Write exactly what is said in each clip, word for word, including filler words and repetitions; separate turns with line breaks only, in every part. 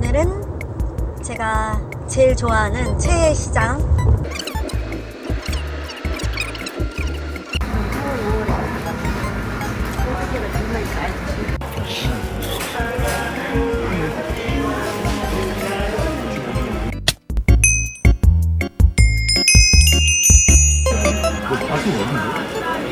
오늘은 제가 제일 좋아하는 최애 시장
맛이 없는데?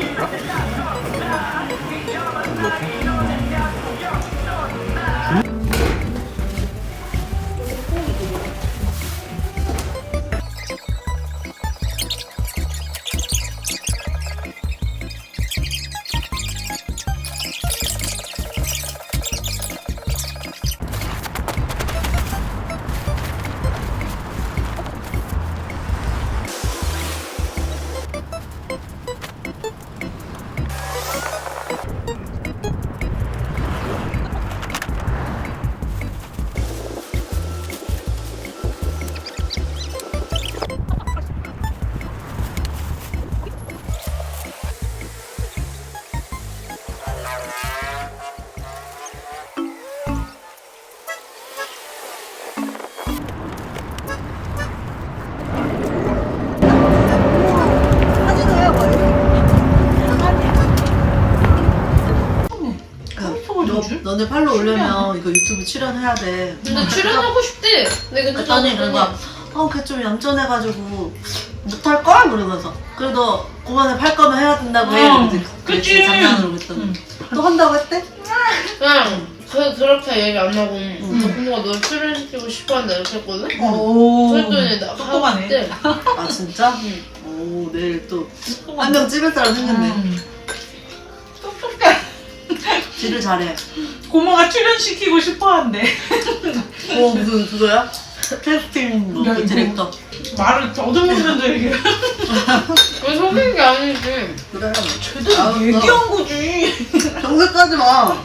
너네 팔로 올려면 이거 유튜브 출연해야 돼.
근데 출연하고 싶대. 내가
그랬더니 그런가 어, 걔 좀 얌전해가지고 못할걸? 그러면서 그래도 그만에 팔 거면 해야 된다고 해.
응,
그치?
그치.
장난으로 그랬더니
응.
또 한다고 했대?
그냥 그, 그렇게 얘기 안 하고
응.
저 부모가 널 출연시키고 싶어한다 이렇게 했거든?
오,
그랬더니 나
똑똑하네.
하대.
아 진짜?
응.
오 내일 또 한 명 찍을 사람 생겼네.
음. 똑똑해.
딜을 잘해.
고모가 출연시키고 싶어한대.
어 무슨 그거야? 캐스팅 뭐
야,
그
이거.
디렉터.
말을 더듬으면서 얘기해.
왜 속인 게 아니지.
그래.
제대로
알았어.
얘기한 거지.
정색하지 마.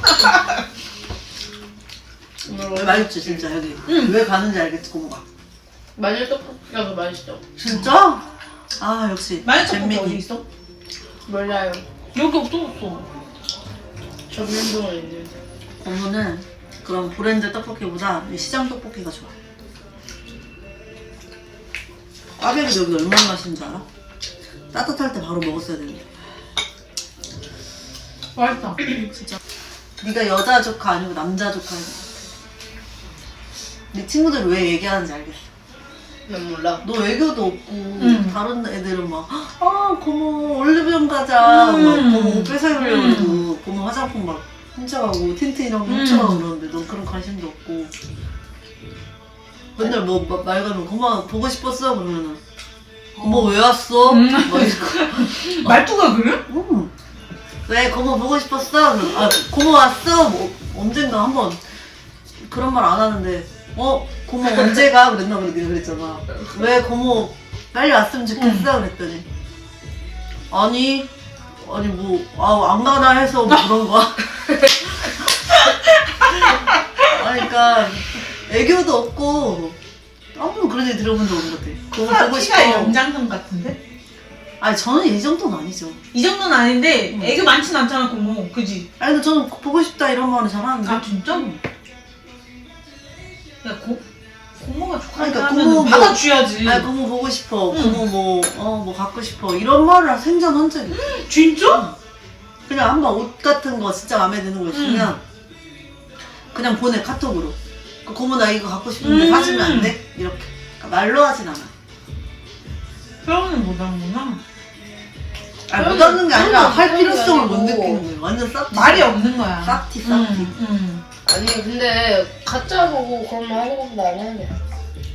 뭐라고?
맛있지 진짜 여기.
응.
왜 가는지 알겠지 고모가.
마늘 떡볶이가 더 맛있죠?
진짜? 아 역시
마늘 떡볶이
잼민이.
어디 있어?
몰라요.
여기 없어 없어.
전면동에 있는.
고모는 그런 브랜드 떡볶이보다 이 시장 떡볶이가 좋아. 꽈배기 여기 얼마나 맛있는 줄 알아? 따뜻할 때 바로 먹었어야 되는데.
맛있다.
진짜. 네가 여자 조카 아니고 남자 조카야. 네 친구들 왜 얘기하는지 알겠어.
난 몰라.
너 애교도 없고
응.
다른 애들은 막 아 고모 올리브영 가자
음.
막 고모 옷 뺏어입으려고
음.
그러고 고모 화장품 막 훔쳐가고 틴트 이런 거
음.
훔쳐가고 그러는데 넌 그런 관심도 없고 맨날 뭐 말 걸면 고모 보고 싶었어 그러면은 고모 왜 왔어?
음.
막 이러고
말투가 그래?
음. 왜 고모 보고 싶었어? 그럼, 아 고모 왔어? 뭐 언젠가 한번 그런 말 안 하는데 어? 고모 언제 가? 그랬나 보네 내가 그랬잖아. 왜 고모 빨리 왔으면 좋겠어? 그랬더니 아니 아니 뭐 아 안 가나 해서 뭐 그런 거야. 아니 그러니까 애교도 없고 아무도 그런 얘기 들어본 적 없는 것 같아. 고모 보고 싶어.
키가 영장선 같은데?
아니 저는 이 정도는 아니죠.
이 정도는 아닌데
응.
애교 많진 않잖아 고모. 그지?
아니 근데 저는 보고 싶다 이런 말은 잘하는데.
아 진짜? 야 고, 고모가
그러니까
좋아하니까
고모
하면
뭐-
받아줘야지.
아니 고모 보고 싶어.
응.
고모 뭐 어 뭐 갖고 싶어 이런 말을 생전 한 적이 없어.
진짜?
그냥 한번 옷 같은 거 진짜 마음에 드는 거 있으면 그냥 보내 카톡으로. 그 고모 나 이거 갖고 싶은데
음.
사주면 안 돼? 이렇게. 그러니까 말로 하진 않아.
표현은 못하는구나.
아니 못 하는 게 아니라
그런
할
거
필요성을 못
아니고.
느끼는 거예요. 완전 쌉티.
말이 없는 거야.
쌉티 쌉티.
응, 응.
아니 근데 가짜 보고 그런 말 하는 것보다 안 하는 게 나아.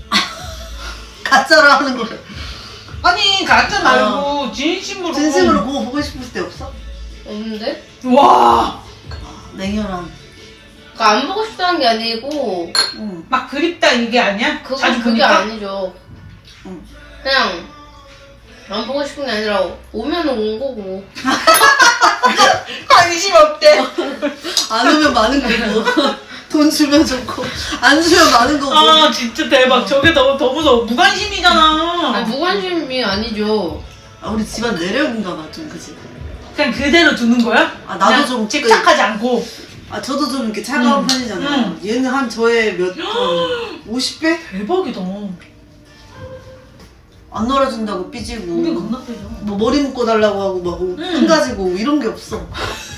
가짜로 하는 거예요.
아니 가짜 말고 진심으로.
진심으로 고모 보고 싶을 때 없어?
없는데?
와.
냉혈한.
그러니까 안 보고 싶다는 게 아니고
응.
막 그립다 이게 아니야?
그거
자주
그게
보니까?
아니죠.
응.
그냥 안 보고 싶은 게 아니라 오면 온 거고.
관심 없대.
안 오면 많은 거고. 돈 주면 좋고 안 주면 많은 거고.
아 진짜 대박. 저게 더, 더 무서워. 무관심이잖아.
아니 무관심이 아니죠.
아, 우리 집안 내력인가 봐 좀 그치?
그냥 그대로 두는 거야?
아 나도
그냥
좀
집착하지 않고.
아 저도 좀 이렇게 차가운
응.
편이잖아요.
응.
얘는 한 저의 몇 번 오십 배?
대박이다.
안 놀아준다고 삐지고
우린 겁나 빼죠.
뭐 머리 묶어달라고 하고 막 큰 가지고 이런 게 없어.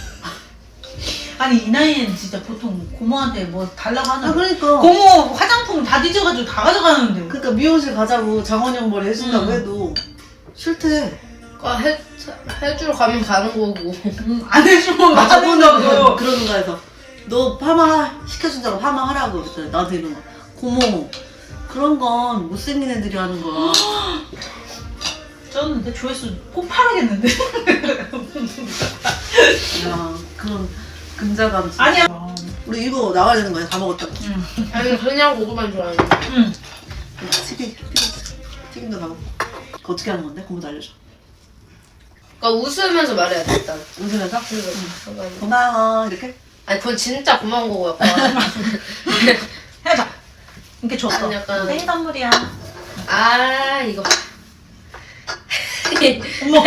아니 이 나이엔 진짜 보통 고모한테 뭐 달라고 하는
아 그러니까
고모 화장품 다 뒤져가지고 다 가져가는데.
그러니까 미용실 가자고 장원영 머리 해준다고
음.
해도 싫대.
아, 해, 해주러 가면 가는 거고.
음, 안 해주면
아
하는
저번에
거고.
그러는가 해서 너 파마 시켜준다고 파마 하라고 그랬더니 나한테 이런 거 고모 그런 건 못생긴 애들이 하는 거야.
쪘는데 조회수 폭발하겠는데.
야 그런 근자감 진짜.
아니야.
우리 이거 나가야 되는 거야. 다 먹었다.
응.
아니, 그냥 고구마는 좋아하는데.
응.
튀김 튀김 튀김도 다 먹고. 그거 어떻게 하는 건데? 고모도 알려줘.
그러니까 웃으면서 말해야 돼, 일단.
웃으면서
그래서 잠깐만.
고마워 이렇게.
아니, 그건 진짜 고마운 거고, 약간.
해봐. 이렇게 줬어.
아니, 약간-
생일 선물이야.
아, 이거.
어머.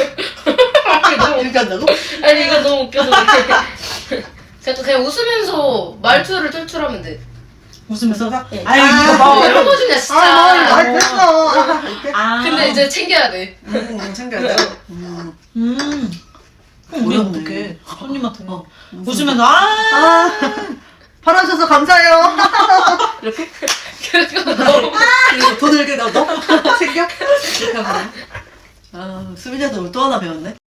이렇게 한다고?
아니, 이거 너무 웃겨서. 그냥, 그냥 웃으면서 말투를 툴툴하면 돼.
웃으면서.
네.
아유
아,
이거
뭐
봐.
이런 거 주냐, 진짜.
아 머리 많이 뺐어. 아, 이렇게.
아.
근데 이제 챙겨야 돼.
음 챙겨야 돼. 음.
음. 그럼 우리
어렵네.
어떡해. 손님한테.
어.
웃으면서 아.
아 팔아주셔서 감사해요. 이렇게
그거 너무.
그리고 돈을 이렇게 넣어 챙겨 이렇게 하면 돼. 아 수빈이한테 오늘 또 하나 배웠네.